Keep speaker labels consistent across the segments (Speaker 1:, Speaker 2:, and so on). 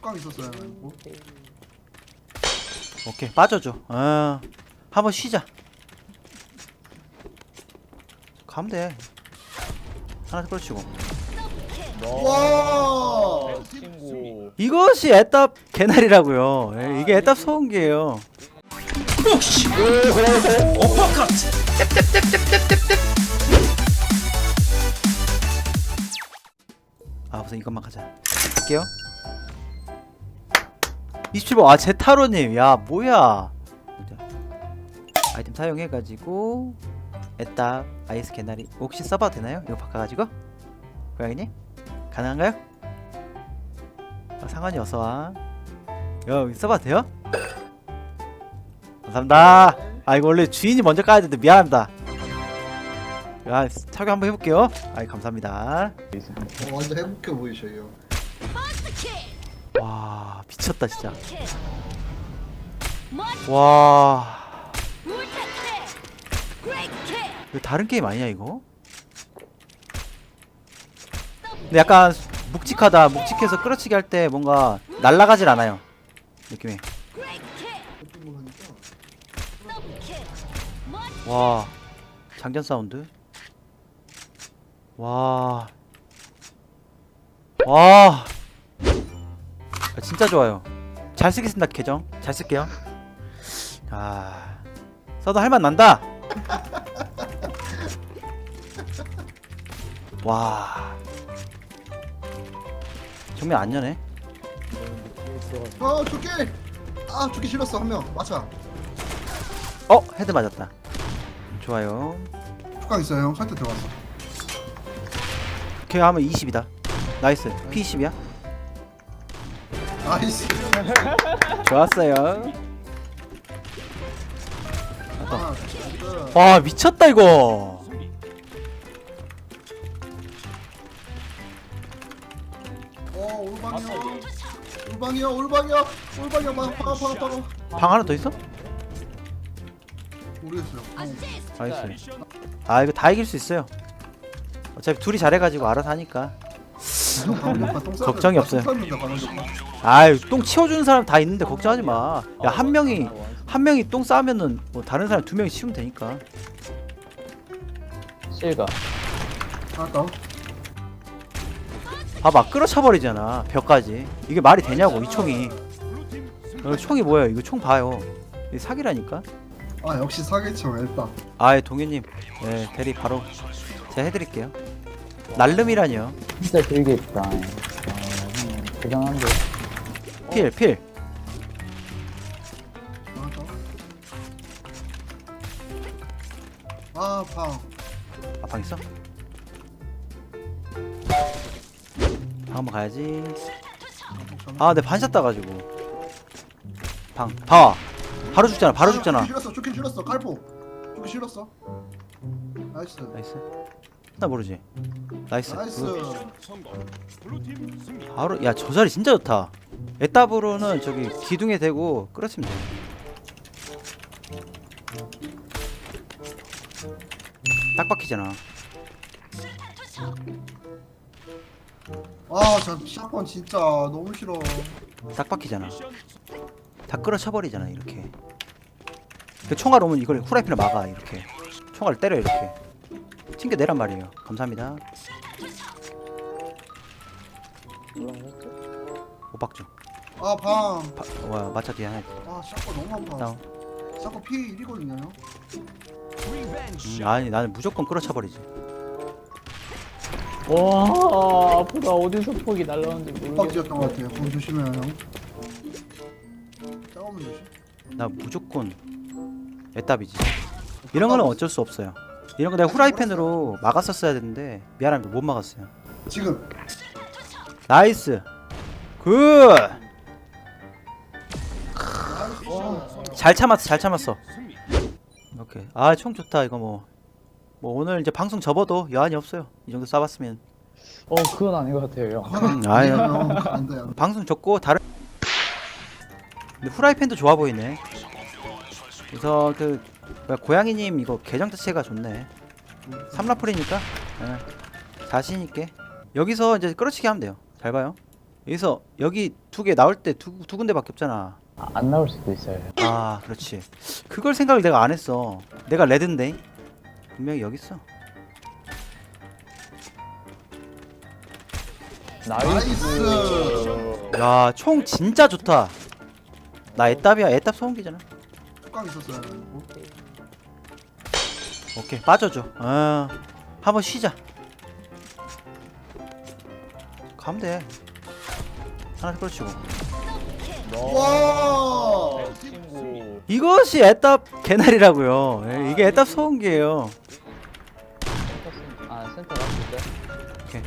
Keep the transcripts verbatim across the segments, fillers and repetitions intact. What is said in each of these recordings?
Speaker 1: 뚜껑 있었어요. 뭐?
Speaker 2: 오케이 빠져줘. 어 한번 쉬자. 가면 돼. 하나 끌어치고.
Speaker 1: 와.
Speaker 3: 친구.
Speaker 2: 이것이 애답 개나리라고요. 예, 이게 애답 소음기예요. 어퍼컷. 아 우선 이것만 가자. 갈게요. 이십칠 번. 아 제타로님. 야 뭐야. 아이템 사용해가지고 애답 아이스 개나리 혹시 써봐도 되나요? 이거 바꿔가지고 고양이님 가능한가요? 아, 상관이 어서와. 야 써봐도 돼요? 감사합니다. 아 이거 원래 주인이 먼저 까야 되는데 미안합니다. 야 착용 한번 해볼게요. 아이 감사합니다.
Speaker 1: 어, 완전 행복해 보이셔요.
Speaker 2: 와 미쳤다 진짜. 와 이거 다른 게임 아니야 이거? 근데 약간 묵직하다. 묵직해서 끌어치기 할 때 뭔가 날아가질 않아요 느낌이. 와 장전 사운드. 와 와 아, 진짜 좋아요. 잘 쓰겠습니다. 계정 잘 쓸게요. 아 써도 할맛 난다. 와 정면 안 여네.
Speaker 1: 아 죽기. 아 죽기 싫었어 한 명. 맞아.
Speaker 2: 어 헤드 맞았다. 좋아요.
Speaker 1: 뚜껑 있어요 형. 설때 들어갔어.
Speaker 2: 걔 하면 이십이다. 나이스. 피 이십이야.
Speaker 1: 나이스.
Speaker 2: 좋았어요.
Speaker 1: 아 나이스.
Speaker 2: 와 미쳤다 이거.
Speaker 1: 어 올방이요. 올방이요 올방이요. 올방이요. 막 박아 박아 박아.
Speaker 2: 방 하나 더 있어?
Speaker 1: 모르겠어요. 어.
Speaker 2: 나이스. 아 이거 다 이길 수 있어요. 어차피 둘이 잘해가지고 알아서 하니까. 걱정이 없어요. 아유 똥 치워주는 사람 다 있는데 걱정하지 마. 야 한 명이 한 명이 똥 싸면은 뭐 다른 사람 두 명이 치우면 되니까.
Speaker 3: 실가.
Speaker 1: 알았다.
Speaker 2: 봐봐 끌어차 버리잖아 벽까지. 이게 말이 되냐고 이 총이. 어, 총이 뭐야 이거 총 봐요. 이게 사기라니까.
Speaker 1: 아 역시 사기쳐 일단.
Speaker 2: 아예 동현님 네 대리 바로 제가 해드릴게요. 날름이라뇨.
Speaker 3: 진짜 길겠다. 아, 대단한데.
Speaker 2: 필 필.
Speaker 1: 아 방.
Speaker 2: 아 방 있어? 방 한번 가야지. 아 내 반샷 따가지고. 방 봐. 바로 죽잖아 바로 죽잖아.
Speaker 1: 죽기 싫었어 죽기 싫었어 칼포. 죽기 싫었어. 나이스.
Speaker 2: 나이스. 나 모르지. 나이스.
Speaker 1: 나이스.
Speaker 2: 바로 야 저 자리 진짜 좋다. 에따브로는 저기 기둥에 대고 끌어치면 돼. 딱 박히잖아.
Speaker 1: 아저 샷건 진짜 너무 싫어.
Speaker 2: 딱 박히잖아. 다 끌어쳐버리잖아 이렇게. 그 총알 오면 이걸 후라이팬을 막아 이렇게. 총알을 때려 이렇게. 튕겨내란 말이에요. 감사합니다. 오박중.
Speaker 1: 아 방.
Speaker 2: 와 마차 뒤에 하나.
Speaker 1: 아 샷건 너무 아파.
Speaker 2: 다운.
Speaker 1: 샷건 피 일이거든요.
Speaker 2: 음, 아니 나는 무조건 끌어쳐버리지.
Speaker 3: 와 아프다. 어디서 폭이 날라오는지
Speaker 1: 빡
Speaker 3: 모르겠어.
Speaker 1: 지었던 것 같아요. 그럼 조심해요 형. 싸우면 조심.
Speaker 2: 나 무조건 애답이지. 이런 거는 어쩔 수 없어요. 이런 거 내가 후라이팬으로 막았었어야 되는데 미안합니다 못 막았어요.
Speaker 1: 지금.
Speaker 2: 나이스. 굿. 잘 참았어 잘 참았어. 오케이. 아 총 좋다 이거 뭐. 뭐 오늘 이제 방송 접어도 여한이 없어요. 이 정도 쏴봤으면.
Speaker 3: 어 그건 아닌 것 같아요 형.
Speaker 2: 음, 아유.
Speaker 1: 안 돼요.
Speaker 2: 방송 접고 다른. 근데 후라이팬도 좋아 보이네. 그래서 그 뭐야, 고양이님 이거 계정 자체가 좋네. 삼라풀이니까 예, 자신 있게 여기서 이제 끌어치기 하면 돼요. 잘 봐요. 여기서 여기 두 개 나올 때 두 두 군데밖에 없잖아.
Speaker 3: 아, 안 나올 수도 있어요.
Speaker 2: 아 그렇지. 그걸 생각을 내가 안 했어. 내가 레드인데 분명히 여기 있어.
Speaker 1: 나이스.
Speaker 2: 야 총 진짜 좋다. 나 애답이야. 애답 소음기잖아.
Speaker 1: 뚜껑 있었어요.
Speaker 2: 오케이 빠져줘. 어 한번 쉬자. 가면 돼. 하나 끌어치고.
Speaker 1: 와.
Speaker 3: 친구.
Speaker 2: 이것이 애답 개나리라고요. 예, 이게 애답 소음기예요.
Speaker 3: 아 센터 갔을 때.
Speaker 2: 오케이.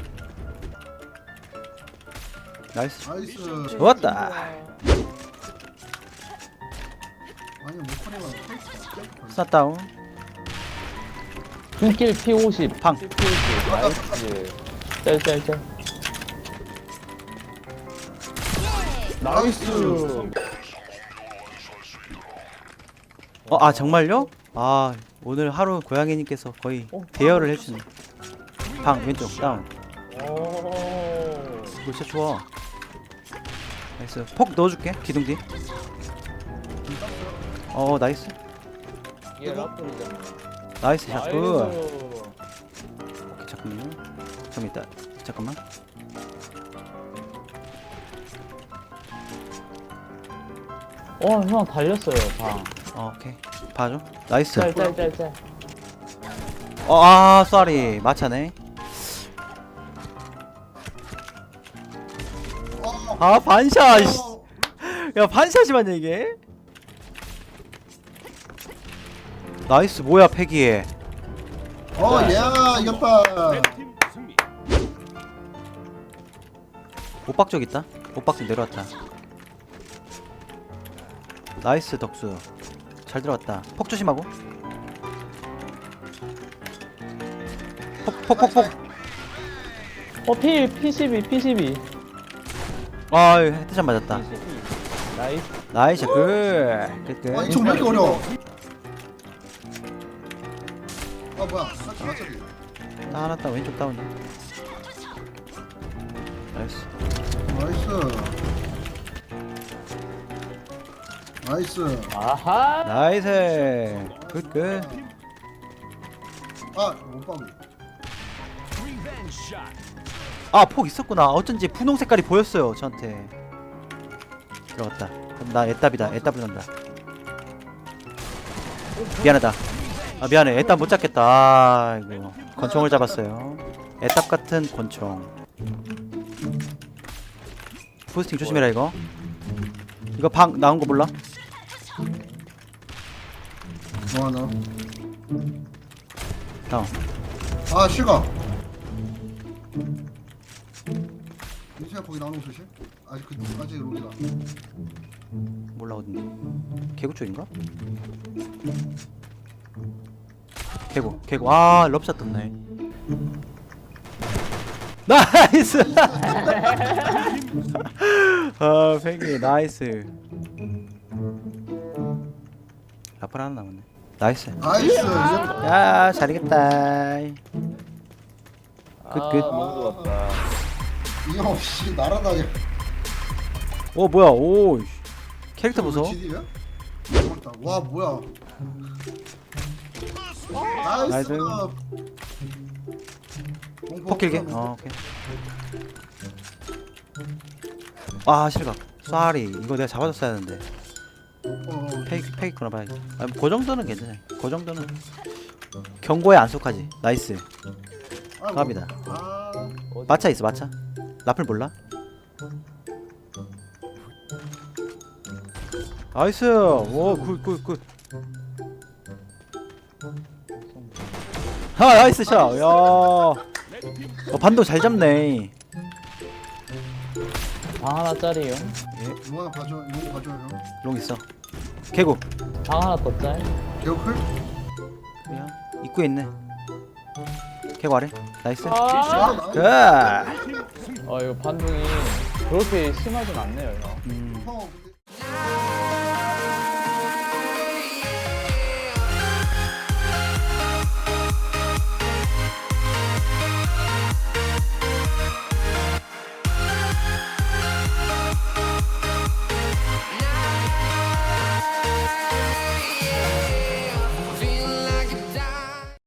Speaker 2: 나이스.
Speaker 1: 나이스.
Speaker 2: 좋았다.
Speaker 1: 아니 목소리만.
Speaker 2: 스나 다운.
Speaker 3: 눈길 피 오십.
Speaker 2: 방.
Speaker 3: 피 오십. 나이스. 짤짤짤. 나이스.
Speaker 2: 어, 아 정말요? 아 오늘 하루 고양이님께서 거의 대여를 해주네. 방 왼쪽 다운.
Speaker 3: 오.
Speaker 2: 이거 진짜 좋아. 나이스. 폭 넣어줄게. 기둥 뒤. 어 나이스.
Speaker 3: 이게 라플이잖아.
Speaker 2: 나이스 샷. 굿.
Speaker 3: 나이스.
Speaker 2: 오케이 잠깐만요. 좀 이따 잠깐만.
Speaker 3: 어, 형 달렸어요, 방.
Speaker 2: 어, 오케이 봐줘. 나이스.
Speaker 3: 짤짤짤짤.
Speaker 2: 어, 아 쏘리 마차네. 아 반샷. 씨. 야 반샷이만 이게. 나이스. 뭐야 패기에.
Speaker 1: 어, 야, 이겼다.
Speaker 2: 옷박쪽 있다. 옷박쪽 내려왔다. 나이스 덕수. 잘 들어갔다. 폭 조심하고. 폭폭폭폭.
Speaker 3: 어, 피, 피십이, 피십이.
Speaker 2: 아 헤드샷 맞았다.
Speaker 3: 나이스.
Speaker 2: 나이스 굿. 끝.
Speaker 1: 아, 이쪽 왜 이렇게 어려워? 아, 뭐야? 맞지, 맞지.
Speaker 2: 하나 따 왼쪽 다운. 나이스.
Speaker 1: 나이스. 나이스.
Speaker 3: 아하.
Speaker 2: 나이스. 굿 굿.
Speaker 1: 아, 못 봐도.
Speaker 2: 아 폭 있었구나. 어쩐지 분홍 색깔이 보였어요 저한테. 들어갔다. 그럼 나 애답이다. 애답을 간다. 미안하다. 아 미안해. 애답 못 잡겠다. 아 이거 권총을 잡았어요. 애답 같은 권총. 부스팅 조심해라 이거. 이거 방 나온 거 몰라?
Speaker 1: 뭐 하나?
Speaker 2: 다운.
Speaker 1: 아, 실각. 민수야, 거기 나오는 거 조심. 아직 그, 아직 로기다.
Speaker 2: 몰라 어딘데? 개구 쪽인가? 개구 개구. 아 럽샷 떴네. 나이스. 아 패기 나이스. 라플 하나 남았네. 나이스.
Speaker 1: 나이스.
Speaker 2: 야 잘이겠다. 굿, 굿.
Speaker 3: 아, 너무 좋았다.
Speaker 1: 이거 씨 날아다녀.
Speaker 2: 오 뭐야 오 캐릭터 보소.
Speaker 1: 지디야? 고맙다. 와, 뭐야? 나이스.
Speaker 2: 나이스. 폭 길게. 어 오케이. 아 실각. 쏘리 이거 내가 잡아줬어야 하는데.
Speaker 1: 어,
Speaker 2: 페이크 페이크나 봐야지. 아, 그 정도는 괜찮아. 그 정도는 경고에 안 속하지. 나이스.
Speaker 1: 아,
Speaker 2: 갑니다.
Speaker 1: 아,
Speaker 2: 마차 있어 마차. 라플 몰라? 나이스. 오굿굿 굿. 아 나이스 샷. 야. 어, 반도 잘 잡네.
Speaker 3: 방 하나짜리요.
Speaker 2: 예,
Speaker 1: 이거 하나 봐줘. 이거 봐줘요, 형.
Speaker 2: 롱 있어. 개구.
Speaker 3: 방 하나 더 짤.
Speaker 1: 개우클?
Speaker 2: 야, 입구에 있네. 개구 아래. 나이스.
Speaker 3: 아,
Speaker 1: 아,
Speaker 2: 굿.
Speaker 1: 나이스.
Speaker 3: 어, 이거 반동이 그렇게 심하진 않네요, 형.
Speaker 2: 음.
Speaker 1: 형, 근데-